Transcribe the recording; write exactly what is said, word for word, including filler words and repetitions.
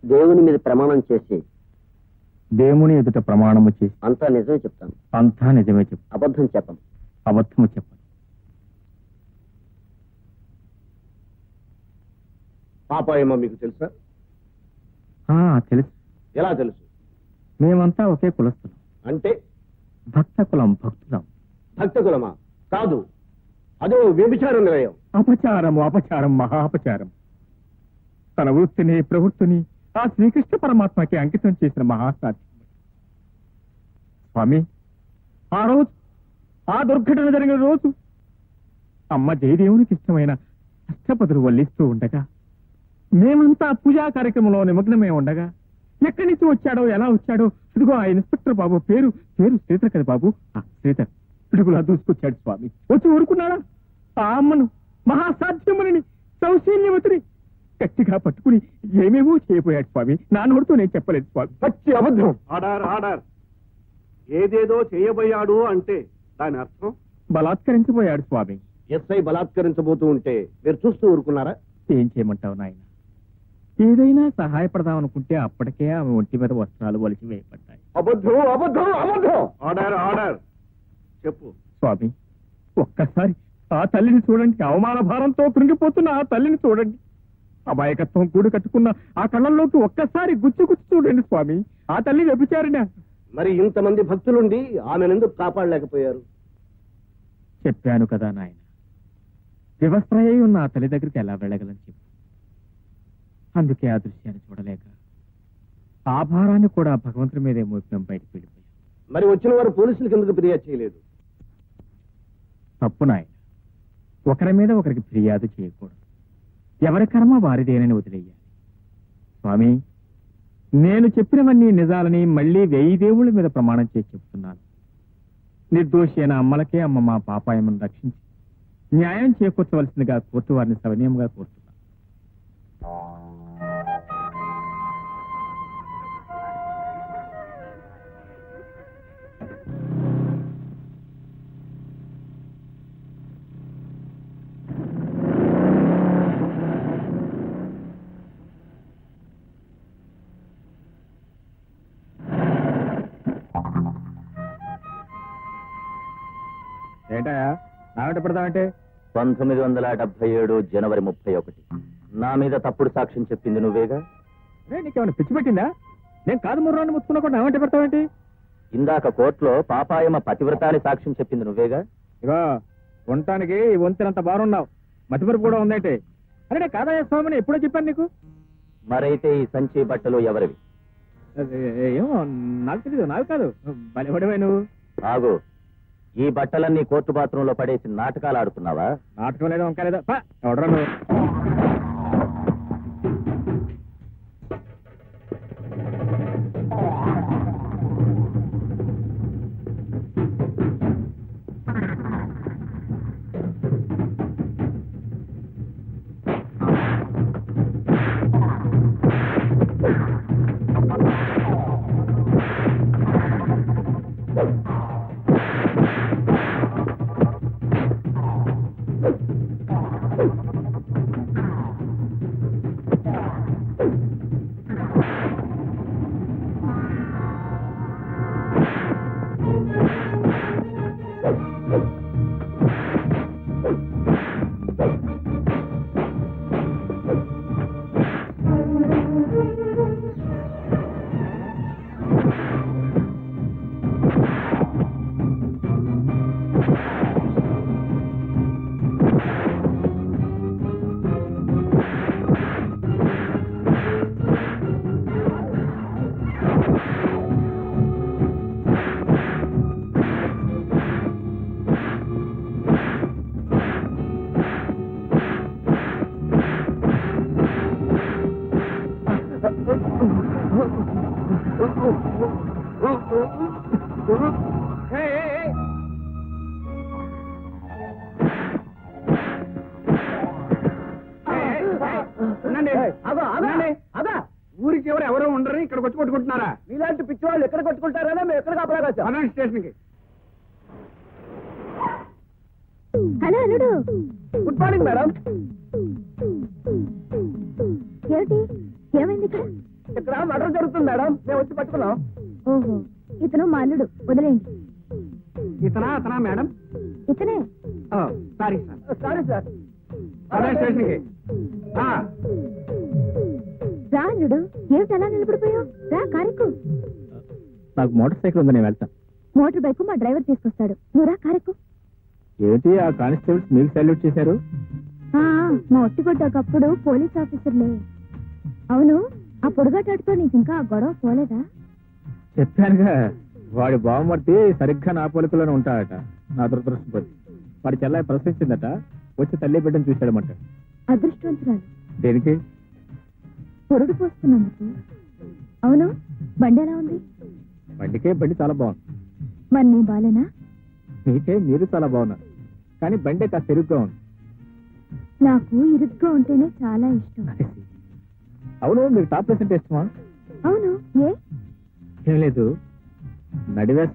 దేవుని మీద ప్రమాణం చేసి దేవుని ఎదుట ప్రమాణము చేసి అంతా నిజమే చెప్తాను. అంతా నిజమే చెప్పు. అబద్ధం చెప్పను. అబద్ధము చెప్పను. పాపాయమో మీకు తెలుసా? తెలుసు. ఎలా తెలుసు? మేమంతా ఒకే కులస్తులం. అంటే భక్త కులం, భక్తులం. భక్త కులమా? కాదు, అదో వ్యభిచార నిలయం. అపచారము, అపచారం, మహా అపచారం. తన వృత్తిని, ప్రవృత్తిని ఆ శ్రీకృష్ణ పరమాత్మకి అంకితం చేసిన మహాసాధ్యం. స్వామి, ఆ రోజు, ఆ దుర్ఘటన జరిగిన రోజు అమ్మ జయదేవునికి ఇష్టమైన అష్టపదులు వల్లిస్తూ ఉండగా, మేమంతా పూజా కార్యక్రమంలో నిమగ్నమై ఉండగా, ఎక్కడి నుంచి వచ్చాడో, ఎలా వచ్చాడో, ఇదిగో ఆ ఇన్స్పెక్టర్ బాబు పేరు పేరు శ్రీధర్ కదా బాబు, శ్రీధర్ పిడుగులా దూసుకొచ్చాడు స్వామి. వచ్చి ఊరుకున్నాడా? ఆ అమ్మను, మహాసాధ్యముని, సౌశీల్యవతిని గట్టిగా పట్టుకుని ఏమేమో చేయబోయాడు స్వామి. నా నోటితో నేను చెప్పలేదు స్వామి. పచ్చి అబద్ధం. ఆడార్ ఆడార్ ఏదేదో చేయబోయాడు అంటే దాని అర్థం బలాత్కరించబోయాడు స్వామి. ఎస్ఐ బలాత్కరించబోతూ ఉంటే మీరు చూస్తూ ఊరుకున్నారా? ఏం చేయమంటావు నాయన? ఏదైనా సహాయపడదాం అనుకుంటే అప్పటికే ఆమె ఒంటి మీద వస్త్రాలు వలిసి వేయబడ్డాయి. అబద్ధం, అబద్ధం, అబద్ధం. ఆడార్ ఆడార్ చెప్పు స్వామి. ఒక్కసారి ఆ తల్లిని చూడండి. అవమాన భారంతో కృంగిపోతున్న ఆ తల్లిని చూడండి. అమాయకత్వం కూడి కట్టుకున్న ఆ కళ్ళల్లోకి ఒక్కసారి గుచ్చి గుచ్చి చూడండి స్వామి. ఆ తల్లి వ్యభిచారిణ. మరి ఇంతమంది భక్తులుండి ఆమెనెందుకు కాపాడలేకపోయారు? చెప్పాను కదా నాయన, వివస్త్రయ్యి ఉన్న ఆ తల్లి దగ్గరికి ఎలా వెళ్ళగలని చెప్పు. అందుకే ఆ దృశ్యాన్ని చూడలేక ఆ భారాన్ని కూడా భగవంతుడి మీదే మోపినం బయటకు వెళ్ళిపోయాం. మరి వచ్చిన వారు పోలీసులకు ఎందుకు ఫిర్యాదు చేయలేదు? తప్పు నాయన. ఒకరి మీద ఒకరికి ఫిర్యాదు చేయకూడదు. ఎవరి కర్మ వారిదేనని వదిలేయాలి. స్వామి, నేను చెప్పినవన్నీ నిజాలని మళ్లీ వెయ్యి దేవుళ్ళ మీద ప్రమాణం చేసి చెప్తున్నాను. నిర్దోషి అయిన అమ్మలకే అమ్మ మా పాపాయమను రక్షించి న్యాయం చేకూర్చవలసిందిగా కోర్టు వారిని సవినయంగా కోరుతున్నాను. ఏంటయా నాగట పెడతామంటే? పంతొమ్మిది వందల డెబ్బై ఏడు జనవరి ముప్పై ఒకటి నా మీద తప్పుడు సాక్ష్యం చెప్పింది నువ్వేగా? నీకేమైనా పిచ్చి పెట్టిందా? నేను కాదు ముర్రాన్ని ముచ్చుకున్నా కూడా నాగంట పెడతావేంటి? ఇందాక కోర్టులో పాపాయమ పతివ్రతాన్ని సాక్ష్యం చెప్పింది నువ్వేగా? ఇగో ఉండటానికి వంతెనంత బారున్నావు, మతిమరుపు కూడా ఉందేంటి? అరే కాదయ్య స్వామిని ఎప్పుడో చెప్పాను నీకు. మరైతే ఈ సంచి బట్టలు ఎవరివి? ఏమో నాకు తెలీదు. నాకు కాదు, బలిపడివే నువ్వు. ఆగు, ఈ బట్టలన్నీ కోర్టు బాత్రూంలో పడేసి నాటకాలు ఆడుతున్నావా? నాటకం లేదా, వంక లేదా? ఎవడరా నువ్వు? ఊరికి ఎవరు ఎవరో ఉండరు, ఇక్కడ వచ్చి కొట్టుకుంటున్నారా? మీలాంటి పిచ్చి వాళ్ళు ఎక్కడ కొట్టుకుంటారా? మేము ఎక్కడ కాపలాగా స్టేషన్ కి. హలో అల్లుడు. Good morning madam. ఏమిటి, ఏమైంది ఇక్కడ? ఇక్కడ మర్డర్ జరుగుతుంది మేడం, మేము వచ్చి పట్టుకున్నాం. ఓహో, ఇతను మా అల్లుడు, వదిలేయండి. ఇతనా అతనా మేడం? ఇతనే. Sorry sir. Sorry sir. అదే స్టేషన్కి. రా అల్లుడు, ఏమిటి అలా నిలబడిపోయావు? రా కారెక్కు. నాకు మోటార్ సైకిల్ ఉంది, నేను వెళ్తాను. మోటార్ బైక్ మా డ్రైవర్ తీసుకొస్తాడు, నువ్వు రా కారెక్కు. ఏంటి ఆ కానిస్టేబుల్స్ మీకు సల్యూట్ చేశారు? ఆ, మా ఒట్టిగొట్టకప్పుడు పోలీస్ ఆఫీసర్లే. అవును, ఆ పొడుగాటాడుతో నీకు ఇంకా ఆ గొడవ పోలేదా? చెప్పానుగా, వాడి బావమర్తి సరిగ్గా నా పోలికలోనే ఉంటాడట. నా దురదృష్టపతి వాడి చెల్లాయి ప్రశ్నించిందట, వచ్చి తల్లి బిడ్డను చూశాడమంట. అదృష్టవంతురాలు. దేనికి? పొరుడు పోస్తున్నందుకు. అవును, బండి ఎలా ఉంది? బండికే బండి చాలా బాగుంది. మరి నీ బాలేనా? మీకే మీరు చాలా బాగున్నారు, కానీ బండి కాస్త ఇరుగ్గా ఉంది. నాకు ఇరుగ్గా ఉంటేనే చాలా ఇష్టం. అవును, మీకు టాప్ ప్రెసెంట్ ఇష్టమా? అవును, ఏ? ఏం లేదు, నడివే